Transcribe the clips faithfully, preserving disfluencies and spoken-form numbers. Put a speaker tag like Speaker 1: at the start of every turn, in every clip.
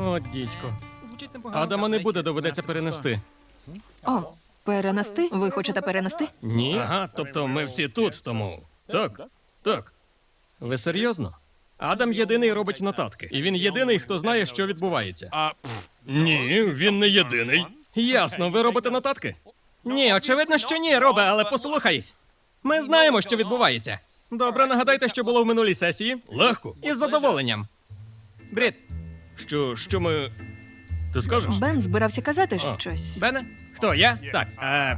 Speaker 1: О, дідько. Адама не буде, доведеться перенести.
Speaker 2: О, перенести? Ви хочете перенести?
Speaker 1: Ні? Ага, тобто ми всі тут, тому... Так, так. Ви серйозно? Адам єдиний робить нотатки. І він єдиний, хто знає, що відбувається. Ні, він не єдиний. Ясно, ви робите нотатки? Ні, очевидно, що ні, Робе, але послухай. Ми знаємо, що відбувається. Добре, нагадайте, що було в минулій сесії. Легко. Із задоволенням. Брід. Що, що ми... Ти скажеш?
Speaker 2: Бен збирався казати
Speaker 1: А.
Speaker 2: щось.
Speaker 1: Бене? Хто, я? Так, а...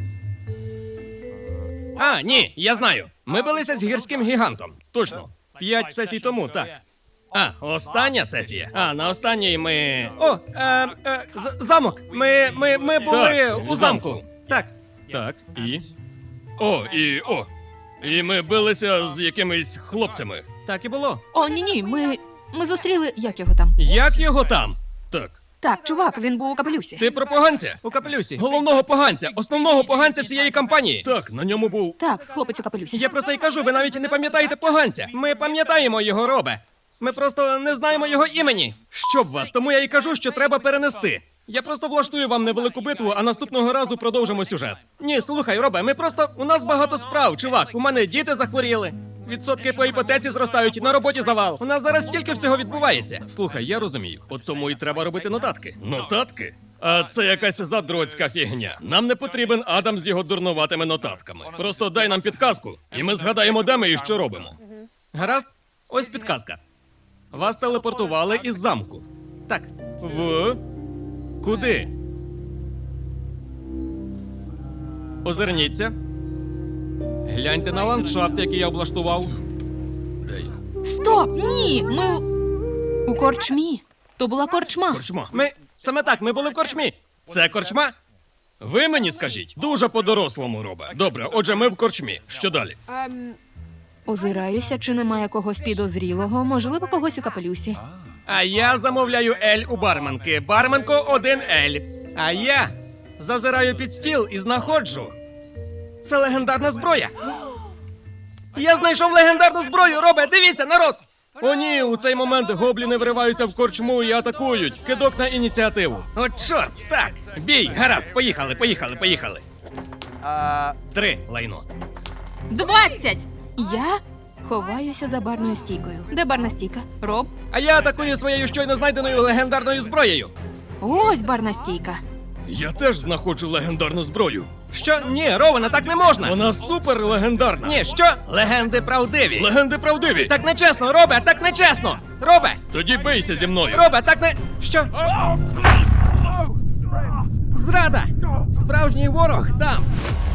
Speaker 1: А, ні, я знаю. Ми билися з гірським гігантом. Точно. П'ять сесій тому, так. А, остання сесія. А, на останній ми... О, е, е, з- замок. Ми, ми, ми були
Speaker 3: Так,
Speaker 1: у
Speaker 3: у
Speaker 1: замку.
Speaker 3: замку.
Speaker 1: Так.
Speaker 3: Так, і. О, і о. І ми билися з якимись хлопцями.
Speaker 1: Так і було.
Speaker 2: О, ні-ні, ми. Ми зустріли. Як його там?
Speaker 1: Як його там?
Speaker 3: Так.
Speaker 2: Так, чувак, він був у капелюсі.
Speaker 1: Ти про поганця? У капелюсі. Головного поганця, основного поганця всієї кампанії.
Speaker 3: Так, на ньому був.
Speaker 2: Так, хлопець у капелюсі.
Speaker 1: Я про це й кажу, ви навіть не пам'ятаєте поганця. Ми пам'ятаємо його, Робе. Ми просто не знаємо його імені. Щоб вас, тому я й кажу, що треба перенести. Я просто влаштую вам невелику битву, а наступного разу продовжимо сюжет. Ні, слухай, Робе, ми просто. У нас багато справ, чувак. У мене діти захворіли. Відсотки по іпотеці зростають, на роботі завал. У нас зараз стільки всього відбувається.
Speaker 3: Слухай, я розумію. От тому і треба робити нотатки. Нотатки? А це якась задроцька фігня. Нам не потрібен Адам з його дурнуватими нотатками. Просто дай нам підказку, і ми згадаємо, де ми і що робимо.
Speaker 1: Гаразд? Ось підказка. Вас телепортували із замку. Так.
Speaker 3: В.
Speaker 1: Куди? Озирніться. Гляньте на ландшафт, який я облаштував.
Speaker 3: Де я?
Speaker 2: Стоп! Ні! Ми. у- У корчмі. То була корчма.
Speaker 3: Корчма.
Speaker 1: Ми. Саме так, ми були в корчмі. Це корчма?
Speaker 3: Ви мені скажіть. Дуже по-дорослому, Робе. Добре, отже, ми в корчмі. Що далі?
Speaker 2: Озираюся, чи немає когось підозрілого, можливо, когось у капелюсі.
Speaker 1: А я замовляю ель у барменки. Барменко один ель. А я зазираю під стіл і знаходжу. Це легендарна зброя. Я знайшов легендарну зброю, Робе, дивіться, народ! О ні, у цей момент гобліни вриваються в корчму і атакують. Кидок на ініціативу. О, чорт, так. Бій, гаразд, поїхали, поїхали, поїхали. Три, лайно.
Speaker 2: Двадцять! Я ховаюся за барною стійкою. Де барна стійка? Роб?
Speaker 1: А я атакую своєю щойно знайденою легендарною зброєю.
Speaker 2: Ось барна стійка.
Speaker 3: Я теж знаходжу легендарну зброю.
Speaker 1: Що? Ні, Рована, так не можна.
Speaker 3: Вона супер легендарна.
Speaker 1: Ні, що? Легенди правдиві.
Speaker 3: Легенди правдиві.
Speaker 1: Так нечесно, Робе, так нечесно! Робе!
Speaker 3: Тоді бийся зі мною.
Speaker 1: Робе, так не. Що? Зрада! Справжній ворог там!